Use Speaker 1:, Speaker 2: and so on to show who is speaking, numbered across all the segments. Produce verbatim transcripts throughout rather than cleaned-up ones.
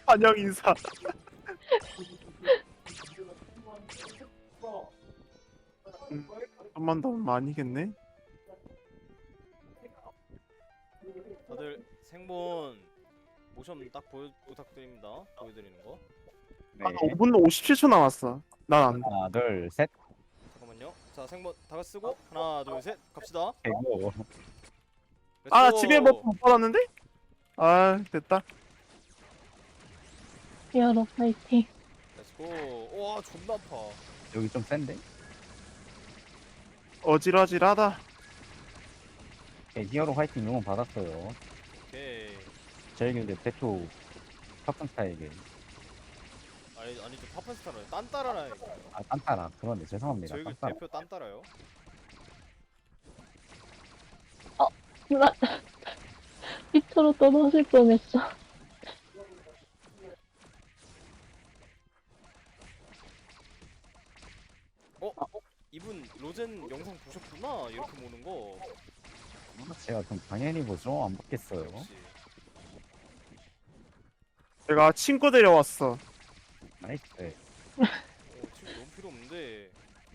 Speaker 1: 환영 인사. 음, 좀만 더 많이겠네.
Speaker 2: 다들 생본 모션 딱 보여 부탁드립니다. 보여드리는 거.
Speaker 1: 한
Speaker 3: 네.
Speaker 1: 오 분 오십칠 초 남았어. 난 안.
Speaker 3: 하나, 둘, 셋.
Speaker 2: 잠깐만요. 자 생본 다 같이 쓰고 하나 둘 셋 갑시다.
Speaker 3: 되고.
Speaker 1: 아
Speaker 2: 렛츠고.
Speaker 1: 집에 버프 못 받았는데? 아 됐다.
Speaker 4: 히어로 파이팅.
Speaker 2: 렛츠고. 와 존나 아파.
Speaker 3: 여기 좀 센데?
Speaker 1: 어질어질하다.
Speaker 3: 네, 히어로 화이팅 응원 받았어요.
Speaker 2: 오케이.
Speaker 3: 저희 근데 대표 팝콘스타에게.
Speaker 2: 아니 아니 좀 파판스타라요. 딴따라라.
Speaker 3: 아, 딴따라. 그런데 죄송합니다.
Speaker 2: 저희 그
Speaker 3: 딴따라.
Speaker 2: 대표 딴따라요.
Speaker 4: 나 밑으로 떨어질 뻔했어.
Speaker 2: 어? 이분 로젠 영상 보셨구나. 이렇게 모는 거.
Speaker 3: 제가 좀 당연히 보죠. 안 받겠어요.
Speaker 2: 역시.
Speaker 1: 내가 친구 데려왔어.
Speaker 3: 나이스.
Speaker 2: 어 지금 너무 필요 없는데.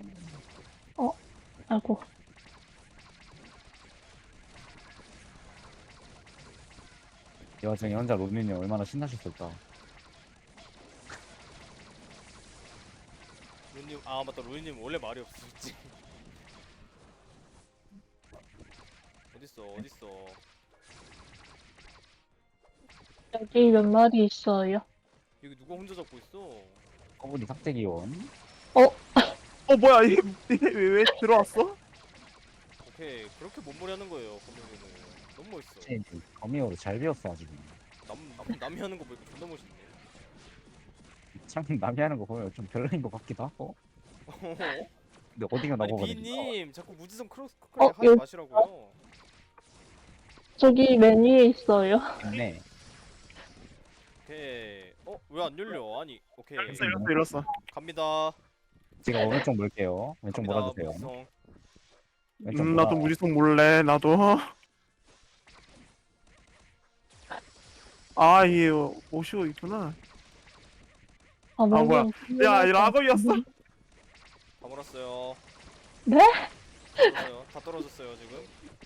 Speaker 4: 아이고.
Speaker 3: 이 와중에 혼자 로민이 얼마나 신나셨을까.
Speaker 2: 로님 아 맞다 로님 원래 말이 없으셨지. 어딨어 어딨어.
Speaker 4: 여기 몇 마리 있어요?
Speaker 2: 여기 누가 혼자 잡고 있어?
Speaker 3: 거북이 삭제 기원.
Speaker 1: 어 뭐야 이게 왜, 왜 들어왔어?
Speaker 2: 오케이 그렇게 몸머리 하는 거예요 검정이는. 너무 멋있어.
Speaker 3: 제 거미호로 잘 배웠어 아주.
Speaker 2: 남, 남 남이 하는 거 보니까 존나 멋있네.
Speaker 3: 참 남이 하는 거 보면 좀 별로인 것 같기도 하고. 근데 어디가
Speaker 2: 아니
Speaker 3: 나보고
Speaker 2: 비님 자꾸 무지성 크로스
Speaker 4: 어,
Speaker 2: 크로스 하지
Speaker 4: 여기-
Speaker 2: 마시라고요.
Speaker 4: 저기 맨 위에 있어요.
Speaker 3: 있네.
Speaker 2: 오케이. 어 왜 안 열려? 아니 오케이
Speaker 1: 이랬어 이랬어 이랬어.
Speaker 2: 갑니다.
Speaker 3: 제가 오른쪽 몰게요. 왼쪽
Speaker 2: 갑니다.
Speaker 3: 몰아주세요.
Speaker 2: 무지성.
Speaker 3: 왼쪽
Speaker 1: 음
Speaker 3: 몰아.
Speaker 1: 나도 무지성 몰래 나도. 아 이게 오시고 있구나.
Speaker 4: 아,
Speaker 1: 뭐야.
Speaker 4: 뭔가
Speaker 1: 야 이 라거이었어.
Speaker 2: 다 몰았어요.
Speaker 4: 네?
Speaker 2: 떨어졌어요. 다 떨어졌어요 지금.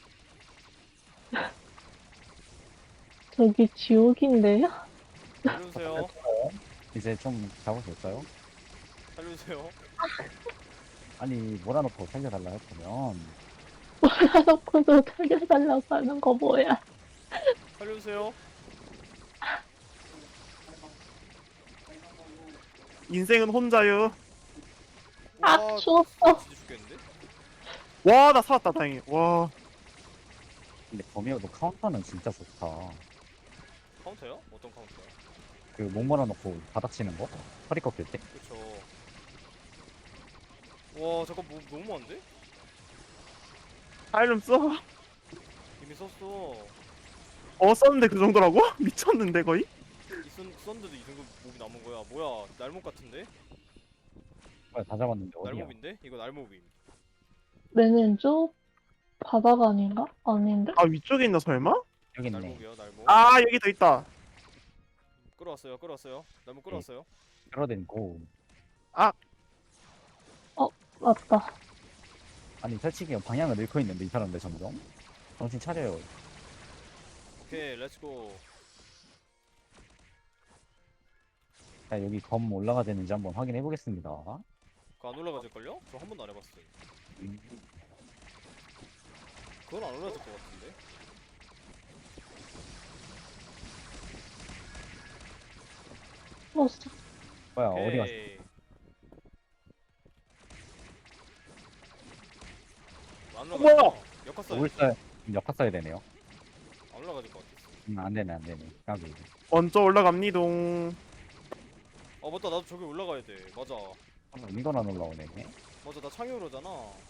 Speaker 4: 저기 지옥인데요?
Speaker 2: 살려주세요.
Speaker 3: 이제 좀 잡아볼까요?
Speaker 2: 살려주세요.
Speaker 3: 아니 몰아놓고 살려달라 했으면
Speaker 4: 몰아놓고도 살려달라고 하는 거 뭐야?
Speaker 2: 살려주세요.
Speaker 1: 인생은 혼자요.
Speaker 4: 아,
Speaker 2: 와,
Speaker 4: 추웠어.
Speaker 2: 진짜 죽겠는데?
Speaker 1: 와 나 살았다 다행히. 와
Speaker 3: 근데 거미호도 카운터는 진짜 좋다.
Speaker 2: 카운터요? 어떤 카운터요?
Speaker 3: 그 목 몰아놓고 바닥 치는 거? 허리 꺾일 때?
Speaker 2: 그쵸. 와 잠깐 뭐 너무 많은데?
Speaker 1: 타일름 써.
Speaker 2: 이미 썼어.
Speaker 1: 어 썼는데 그 정도라고? 미쳤는데 거의?
Speaker 2: 이 썬, 썼는데도 이 정도 몹이 남은 거야. 뭐야 날몹 같은데?
Speaker 3: 뭐야 다 잡았는데 어디야?
Speaker 2: 날몹인데? 이거 날몹임.
Speaker 4: 맨 왼쪽? 바닥 아닌가? 아닌데?
Speaker 1: 아 위쪽에 있나 설마?
Speaker 3: 여기 있네.
Speaker 2: 날몹이요 날몹.
Speaker 1: 아 여기 더 있다.
Speaker 2: 끌어왔어요 끌어왔어요. 날몹 끌어왔어요.
Speaker 3: 끌어댄고.
Speaker 4: 맞다.
Speaker 3: 아니 솔직히 방향을 잃고 있는데 이 사람들 점점 정신 차려요.
Speaker 2: 오케이 렛츠고.
Speaker 3: 자 여기 검 올라가되는지 한번 확인해 보겠습니다.
Speaker 2: 그거 안 올라가질걸요? 저 한 번도 안 해봤어요.
Speaker 3: 음,
Speaker 2: 그건 안 올라갈 것 같은데?
Speaker 4: 추웠어.
Speaker 3: 뭐야 어디 갔어?
Speaker 2: 오케이. 안
Speaker 1: 어,
Speaker 2: 올라가.
Speaker 1: 뭐야?
Speaker 2: 역화 써야
Speaker 3: 물 써야 역화 써야 되네요.
Speaker 2: 안 올라가질 것 같았어.
Speaker 3: 음, 안 되네 안 되네. 까비.
Speaker 1: 먼저 올라갑니동.
Speaker 2: 아 맞다 나도 저기 올라가야 돼. 맞아.
Speaker 3: 아, 이건 안 올라오네.
Speaker 2: 맞아 나 창의로잖아.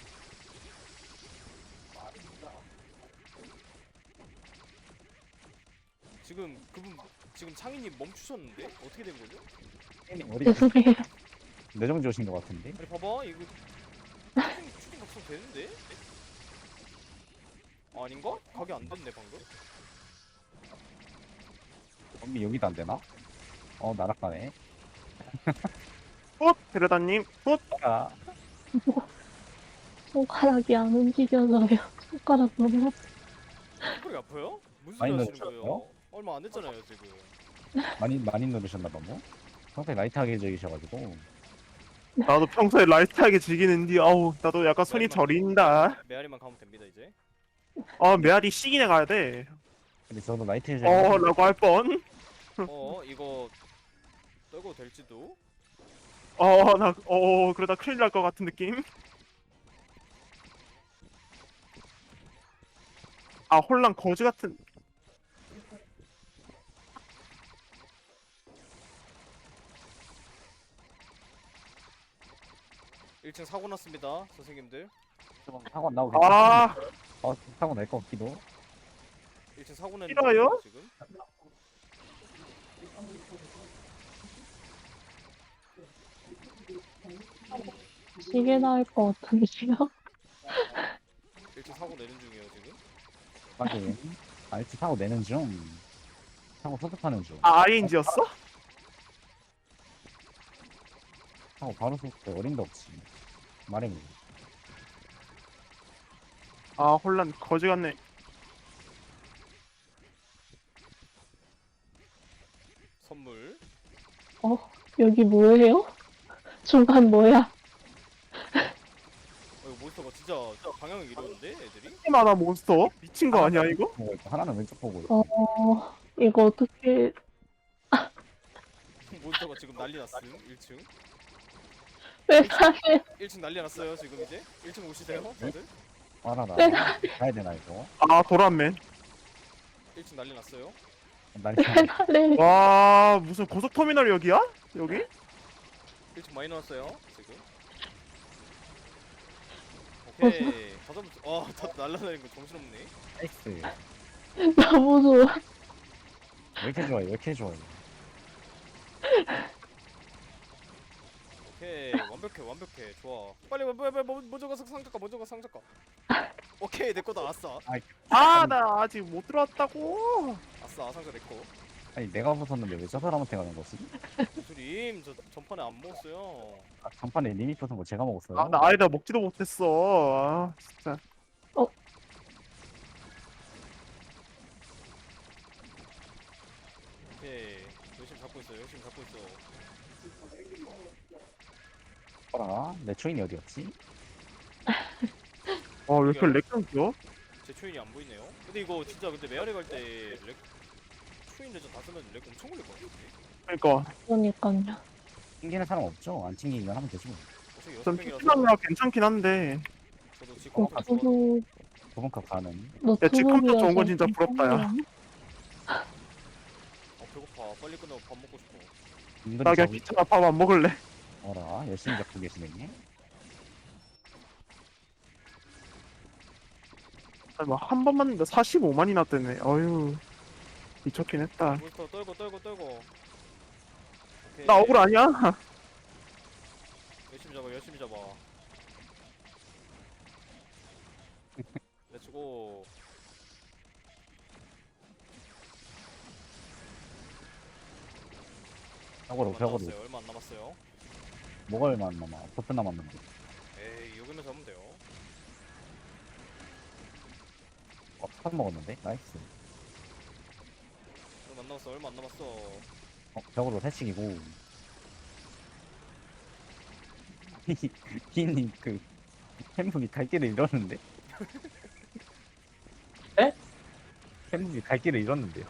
Speaker 2: 지금 그분 지금 창희님 멈추셨는데 어떻게 된 거죠?
Speaker 3: 어디
Speaker 4: 죄송해요.
Speaker 3: 내정지 오신 것 같은데?
Speaker 2: 아니 봐봐 이거 추진 추진 각성 되는데? 아닌가? 각이 안 됐네 방금.
Speaker 3: 검이 여기도 안 되나? 어 날아가네.
Speaker 1: 훗 베르다님 훗.
Speaker 3: 아
Speaker 4: 손가락이 안 움직여서요. 손가락 너무 아파.
Speaker 2: 손가락이 아파요? 무슨
Speaker 3: 많이
Speaker 2: 소리 하시는
Speaker 3: 넣으셨어요?
Speaker 2: 거예요? 얼마 안 됐잖아요 지금.
Speaker 3: 많이 많이 누르셨나봐 뭐. 평소에 라이트하게 즐기셔가지고.
Speaker 1: 나도 평소에 라이트하게 즐기는데 아우 나도 약간 손이 저린다.
Speaker 2: 메아리만 가면 됩니다 이제.
Speaker 1: 아 메아리 시기내 가야 돼.
Speaker 3: 근데 저도 라이트 즐기.
Speaker 1: 어 라고 할 뻔.
Speaker 2: 어 이거 떨고 될지도.
Speaker 1: 어나어 그러다 큰일 날 것 같은 느낌. 아 혼란 거지 같은.
Speaker 2: 일 층 사고 났습니다 선생님들.
Speaker 3: 사고 나오겠.
Speaker 1: 아
Speaker 3: 어 사고 날 것 같기도.
Speaker 2: 일 층 사고 낸
Speaker 1: 싫어요?
Speaker 2: 거예요, 지금.
Speaker 4: 시계 나을 것 같은데요?
Speaker 2: 일 층 사고 내는 중이에요 지금.
Speaker 3: 하긴. 알트 사고 내는 중. 사고 소급하는 중.
Speaker 1: 아, 아이엔지였어?
Speaker 3: 사고 바로 소급해. 어림도 없지. 말해보.
Speaker 1: 아 혼란 거지 같네.
Speaker 2: 선물.
Speaker 4: 어, 여기 뭐예요? 중간 뭐야?
Speaker 2: 어, 이거 몬스터가 진짜 방향을 이루는데 애들이?
Speaker 1: 많아 몬스터 미친 거 아니야 이거?
Speaker 3: 보고 있고 하나는 왼쪽 보고 있고.
Speaker 4: 어, 이거 어떻게,
Speaker 2: 몬스터가 지금 난리 났음. 일 층.
Speaker 4: 왜 나를,
Speaker 2: 일 층 난리 났어요 지금 이제. 일 층 오시세요 다들.
Speaker 3: 알아라.
Speaker 4: 내가-
Speaker 3: 가야 되나 이거?
Speaker 1: 아 도란맨.
Speaker 2: 일 층 난리 났어요.
Speaker 3: 날
Speaker 4: 왜 나를,
Speaker 1: 와 무슨 고속터미널 여기야? 여기?
Speaker 2: 일 층 많이 나왔어요 지금. 오케이. 다 잡았어. 아, 다 날라다니는 거 정신없네.
Speaker 3: 나이스.
Speaker 4: 너무 좋아.
Speaker 3: 왜 이렇게 좋아해? 왜 이렇게 좋아해?
Speaker 2: 오케이. 완벽해 완벽해. 좋아. 빨리 빨리 빨리 빨리 먼저 가서 상작가 먼저 가서 상작가. 오케이 내 거다. 아싸.
Speaker 1: 아 나 아직 못 들어왔다고.
Speaker 2: 아싸 상자 내 거.
Speaker 3: 아니 내가 벗었는데 왜 저 사람한테 가는 거지?
Speaker 2: 무술임 저 전판에 안 먹었어요.
Speaker 3: 아, 전판에 리미 벗은 거 제가 먹었어요.
Speaker 1: 아 나 아니다 먹지도 못했어. 아 진짜.
Speaker 2: 오케이. 열심히 잡고 있어. 열심히 잡고 있어.
Speaker 3: 봐라. 내 초인이 어디였지?
Speaker 1: 어왜 이렇게 렉 끊겨?
Speaker 2: 제 초인이 안 보이네요. 근데 이거 진짜 근데 메아리 갈 때 렉 초인 레전 다 쓰면 렉 엄청 걸릴 것 같은데.
Speaker 1: 그러니까
Speaker 4: 그러니까요.
Speaker 3: 튕기는 사람 없죠? 안 튕기기만 하면 되지 뭐.
Speaker 2: 어차피 여섯
Speaker 1: 전
Speaker 2: 명이라서
Speaker 1: 피치방이라 괜찮긴 한데.
Speaker 2: 저도 지금
Speaker 4: 어,
Speaker 2: 컴퓨터 좋아.
Speaker 4: 저도
Speaker 3: 도봉값 가는.
Speaker 4: 노트북이어서.
Speaker 1: 좋은 건 진짜 부럽다, 야.
Speaker 2: 아 배고파. 빨리 끝나고 밥 먹고 싶어.
Speaker 3: 은근히
Speaker 1: 나 그냥
Speaker 3: 저기
Speaker 1: 귀찮아 밥 안 먹을래.
Speaker 3: 어라 열심히 잡고 계시네.
Speaker 1: 아니 뭐한 번만 했는데 사십오만이나 뜨네. 어휴 미쳤긴 했다.
Speaker 2: 몬스터 떨고 떨고 떨고. 오케이.
Speaker 1: 나 억울 아니야?
Speaker 2: 열심히 잡아 열심히 잡아. 렛츠고.
Speaker 3: 벽으로
Speaker 2: 얼마 안
Speaker 3: 벽으로.
Speaker 2: 남았어요. 얼마 안 남았어요.
Speaker 3: 뭐가 얼마 안 남아? 버프 남았는데.
Speaker 2: 에이 여기면 잡으면 돼요.
Speaker 3: 어, 탑 먹었는데? 나이스.
Speaker 2: 얼마 안 남았어. 얼마 안 남았어.
Speaker 3: 어, 벽으로 새치기고. 기님 그 햄북이 갈 길을 잃었는데?
Speaker 1: 에?
Speaker 3: 햄북이 갈 길을 잃었는데요?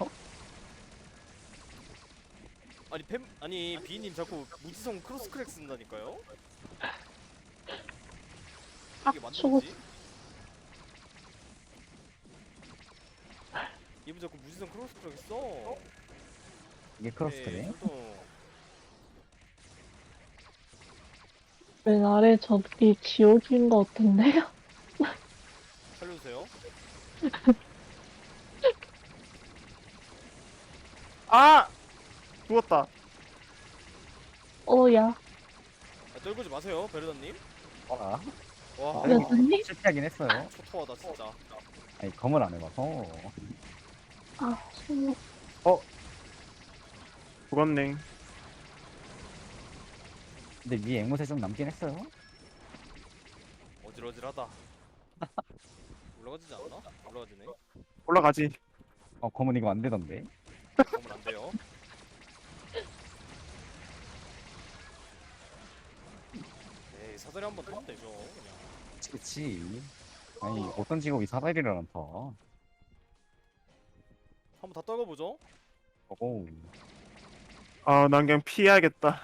Speaker 2: 아니 팸 아니 비님 자꾸 무지성 크로스 크랙 쓴다니까요. 이게
Speaker 4: 저거-
Speaker 2: 맞는지? 이분 자꾸 무지성 크로스 크랙 써.
Speaker 3: 이게 크로스트네.
Speaker 2: 네, 저도
Speaker 4: 왜 나를 저기 지옥인 것 같은데요?
Speaker 2: 살려주세요.
Speaker 1: 아 죽었다.
Speaker 4: 어, 야.
Speaker 2: 아, 떨구지 마세요, 베르다님.
Speaker 3: 어라?
Speaker 2: 와,
Speaker 3: 아,
Speaker 4: 여전히?
Speaker 3: 실패하긴 했어요.
Speaker 2: 초토하다 진짜.
Speaker 3: 아니 검을 안 해봐서.
Speaker 4: 아, 손,
Speaker 1: 죽었네.
Speaker 3: 근데 위에 앵무새 좀 남긴 했어요.
Speaker 2: 어질어질하다. 올라가지지 않나? 올라가지네.
Speaker 1: 올라가지.
Speaker 3: 어 검은 이거 안 되던데.
Speaker 2: 그러면 안 돼요. 에이 사다리 한번 타면 되죠. 그냥.
Speaker 3: 그치. 아니 어떤 직업이 사다리를 안 타.
Speaker 2: 한번 다 떨궈보죠.
Speaker 3: 오.
Speaker 1: 아, 난 그냥 피해야겠다.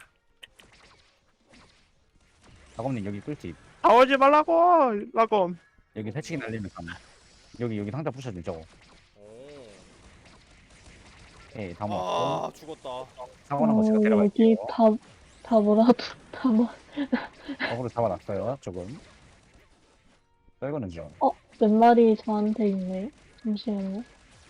Speaker 3: 작업님 여기 꿀팁.
Speaker 1: 아, 오지 말라고! 라고.
Speaker 3: 여기 새치기 날리면 감. 여기 여기 상자 부셔주죠.
Speaker 2: 오.
Speaker 3: 예, 다 먹고
Speaker 2: 아 죽었다.
Speaker 3: 사고 난거 제가
Speaker 4: 어, 여기
Speaker 3: 데려갈게요.
Speaker 4: 다, 다 뭐라도, 다 뭐,
Speaker 3: 어그로 잡아놨어요. 조금. 떨거는 좀.
Speaker 4: 어, 몇 마리 저한테 있네요? 잠시만요.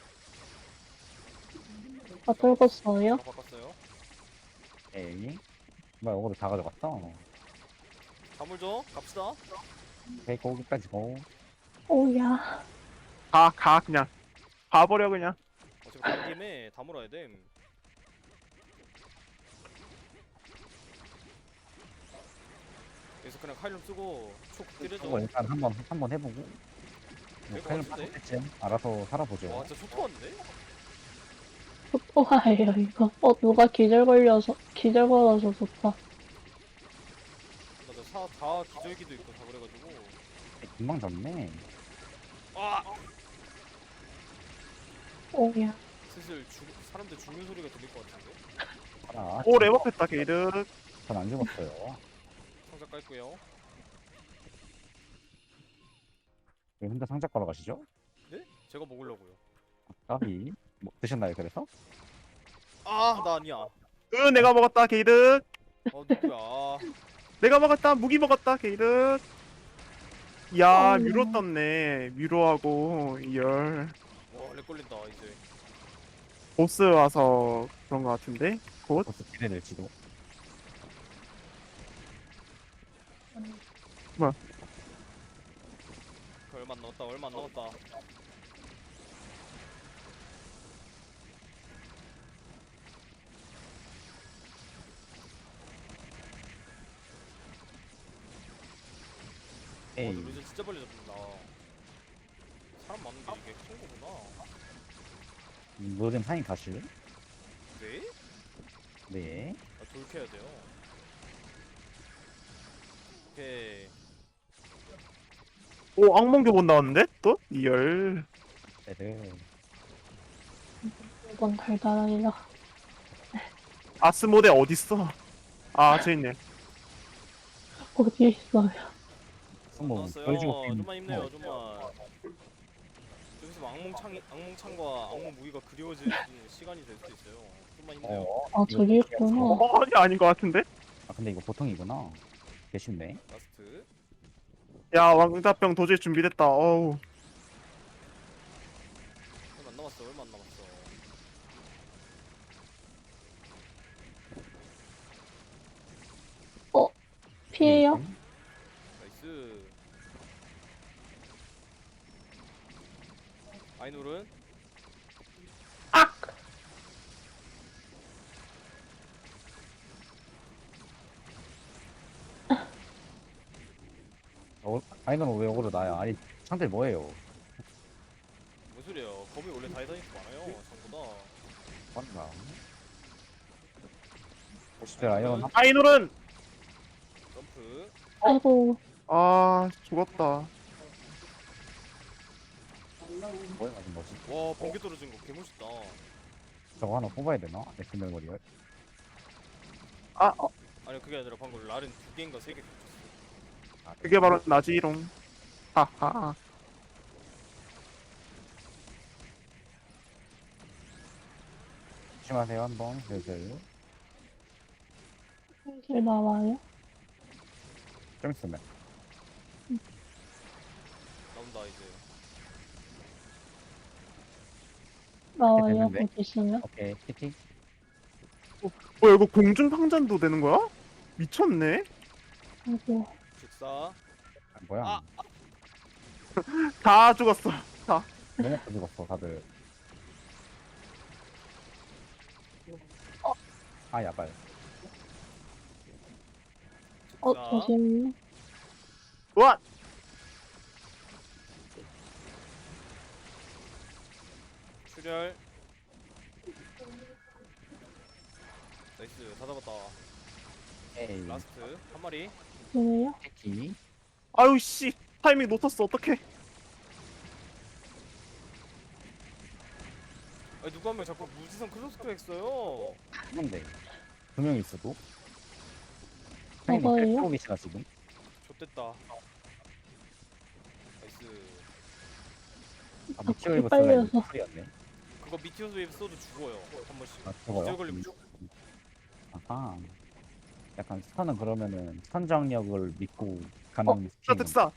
Speaker 4: 아, 떨궜어요?
Speaker 2: 다 바꿨어요.
Speaker 3: 에이. 뭐야 어그로 다 가져갔어.
Speaker 2: 다물죠. 갑시다.
Speaker 3: 오케이 거기까지 고.
Speaker 4: 오야.
Speaker 1: 가, 가, 그냥. 가버려, 그냥.
Speaker 2: 어차피 간 김에 다물어야 됨. 여기서 그냥 칼륨 쓰고 촉 때려줘.
Speaker 3: 이거 일단 한번 한번 해보고. 뭐
Speaker 2: 될것
Speaker 3: 칼럼
Speaker 2: 같은데?
Speaker 3: 때쯤 알아서 살아보죠.
Speaker 2: 와 진짜 초토화인데?
Speaker 4: 좋아해요, 이거. 어, 누가 기절 걸려서, 기절 걸어서 좋다.
Speaker 2: 맞아 사다 기절기도 있고 다 그래가지고.
Speaker 3: 금방 잡네.
Speaker 2: 아
Speaker 4: 오야.
Speaker 2: 슬슬 죽 사람들 죽는 소리가 들릴 것 같은데.
Speaker 3: 알아.
Speaker 1: 오, 레버했다, 게이드.
Speaker 3: 전안 죽었어요.
Speaker 2: 상자 깔고요.
Speaker 3: 왜 혼자 상자 걸어 가시죠?
Speaker 2: 네? 제가 먹으려고요.
Speaker 3: 까비. 뭐 드셨나요 그래서?
Speaker 2: 아 나 아니야.
Speaker 1: 으, 내가 먹었다, 게이드.
Speaker 2: 어 누구야?
Speaker 1: 내가 먹었다, 무기 먹었다, 게이드. 야,
Speaker 4: 어,
Speaker 1: 뮤로 떴네. 뮤로하고, 이열.
Speaker 2: 와렉 걸린다 이제.
Speaker 1: 보스 와서 그런 것 같은데? 곧?
Speaker 3: 벌써 기대될지도.
Speaker 2: 그 얼마 안 남았다. 얼마 안 남았다. 와
Speaker 3: 에이.
Speaker 2: 근데 루즈 진짜 빨리 잡힌다. 사람 많은데 이게 큰 거구나.
Speaker 3: 뭐든 상인 가실?
Speaker 2: 네?
Speaker 3: 네.
Speaker 2: 아, 돌 캐야 돼요. 오케이.
Speaker 1: 오, 악몽교본 나왔는데? 또? 이열.
Speaker 3: 네네.
Speaker 4: 이건 달달하리라.
Speaker 1: 아스모데 어딨어? 아, 저 있네.
Speaker 4: 어디에 있어요?
Speaker 3: 뭐
Speaker 2: 나왔어요.
Speaker 3: 보여주고
Speaker 2: 좀만 힘내요.
Speaker 3: 어.
Speaker 2: 좀만. 여기서 뭐 악몽창 악몽창과 악몽 무기가 그리워질 시간이 될 수도 있어요. 좀만 힘내요.
Speaker 3: 어.
Speaker 4: 아,
Speaker 3: 이거
Speaker 4: 저기
Speaker 3: 어떻게
Speaker 4: 있구나.
Speaker 3: 해서-
Speaker 1: 어, 아니, 아닌 것 같은데?
Speaker 3: 아 근데 이거 보통이구나. 개 쉽네.
Speaker 2: 라스트.
Speaker 1: 야, 왕자병 도저히 준비됐다. 어우.
Speaker 2: 얼마 안 남았어. 얼마 안 남았어.
Speaker 4: 피해요?
Speaker 2: 나이스. 아이놀은
Speaker 3: 어, 아이는 왜 역으로 나야? 아니 상대 뭐예요?
Speaker 2: 무슨 소리예요? 검이 원래 다이다니스 많아요. 전부 다.
Speaker 3: 맞나? 오십 대 아이언 한
Speaker 1: 아이놀은!
Speaker 2: 점프.
Speaker 4: 아이고,
Speaker 1: 아, 죽었다.
Speaker 3: 뭐야 맞은 거지?
Speaker 2: 와 번개 떨어진 거 개멋있다.
Speaker 3: 저거 하나 뽑아야 되나? 엑스멜 거리열.
Speaker 2: 아니 그게 아니라 방금 랄은 두 개인가 세 개 겹쳤어.
Speaker 3: 아,
Speaker 1: 그게 바로 나지롱. 하하.
Speaker 3: 조심하세요 한번 슬슬.
Speaker 4: 길 나와요?
Speaker 3: 좀 있으면.
Speaker 2: 나온다 이제.
Speaker 4: 나와요,
Speaker 3: 됐는데?
Speaker 4: 어디 있으면?
Speaker 3: 오케이 키티.
Speaker 1: 뭐야, 이거 공중팡잔도 되는 거야? 미쳤네?
Speaker 4: 아이고,
Speaker 2: 즉사.
Speaker 3: 아, 뭐야?
Speaker 2: 아!
Speaker 1: 다 죽었어. 다.
Speaker 3: 너무 가지고어 다들. 아 야발.
Speaker 4: 어,
Speaker 2: 자.
Speaker 4: 잠시만요.
Speaker 1: 와!
Speaker 2: 출혈. 나이스 다 잡았다.
Speaker 3: 에이
Speaker 2: 라스트 한 마리.
Speaker 4: 뭐예요?
Speaker 3: 패키
Speaker 1: 아유 씨 타이밍 놓쳤어 어떡해.
Speaker 2: 아니 누구 한 명 자꾸 무지성 크로스크랙 써요.
Speaker 3: 한데 두 명 있어도
Speaker 4: 저거예요?
Speaker 3: 고 계시나 지금?
Speaker 2: 좆됐다. 나이스.
Speaker 3: 아
Speaker 4: 자꾸
Speaker 3: 미티어 입었어
Speaker 4: 빨려서.
Speaker 3: 소리였네.
Speaker 2: 그거 미티어스 웨이브 써도 죽어요 한 번씩.
Speaker 3: 아
Speaker 2: 기절
Speaker 3: 저거요?
Speaker 2: 걸리면
Speaker 3: 음.
Speaker 2: 죽.
Speaker 3: 아하 약간 스타는 그러면은 선정력을 믿고
Speaker 4: 어,
Speaker 3: 가는
Speaker 1: 자
Speaker 3: 스킬인가?
Speaker 1: 득사.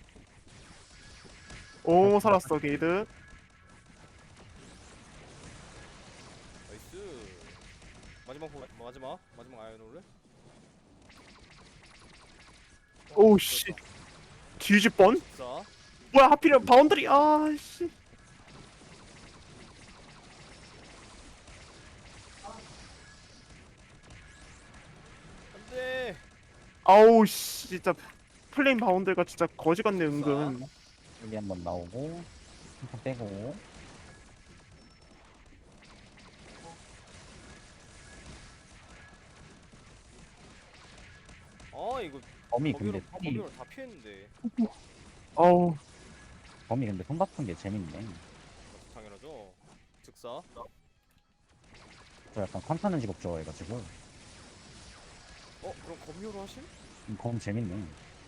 Speaker 1: 오 살았어 게이드.
Speaker 2: 나이스. 마지막 호 마지막 마지막 아이언홀을.
Speaker 1: 오우 씨 뒤질 뻔.
Speaker 2: 자.
Speaker 1: 뭐야 하필이면 바운드리. 아씨.
Speaker 2: 안돼.
Speaker 1: 아우 씨 진짜 플레임 바운드가 진짜 거지 같네 은근.
Speaker 3: 여기 한번 나오고 한번 빼고
Speaker 2: 아 이거
Speaker 3: 범이
Speaker 2: 거기로
Speaker 3: 근데 턴이
Speaker 2: 거기로 다 피했는데.
Speaker 1: 아우
Speaker 3: 범이 근데 손 바쁜 게 재밌네.
Speaker 2: 당연하죠. 즉사.
Speaker 3: 저 약간 컨타는 직업 좋아해가지고
Speaker 2: 어 그럼 검요로 하심?
Speaker 3: 음, 검 재밌네.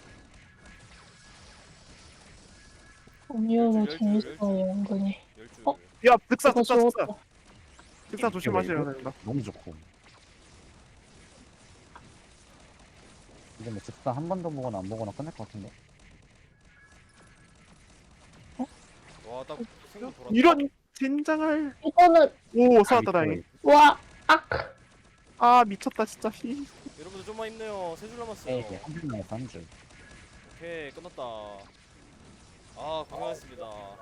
Speaker 4: 음료로
Speaker 2: 열줄, 열줄,
Speaker 4: 재밌어요, 은근히.
Speaker 2: 열줄.
Speaker 4: 어?
Speaker 1: 야 득사
Speaker 4: 이거
Speaker 1: 득사 득사.
Speaker 4: 죽었다.
Speaker 1: 득사 조심하셔야
Speaker 3: 웨이브?
Speaker 1: 된다.
Speaker 3: 너무 좋고. 이제 뭐 즉사 한 번 더 보거나 안 보거나 끝날 것 같은데.
Speaker 2: 와딱 생각 돌았다.
Speaker 1: 이런 젠장할.
Speaker 4: 이거는,
Speaker 1: 오 살았다
Speaker 3: 아,
Speaker 1: 다행히.
Speaker 4: 와, 악!
Speaker 1: 아 미쳤다 진짜. 히.
Speaker 2: 여러분들 좀만 힘내요. 세 줄 남았어요.
Speaker 3: 에이 한줄 남았어 한 줄.
Speaker 2: 오케이 끝났다. 아 고생하셨습니다.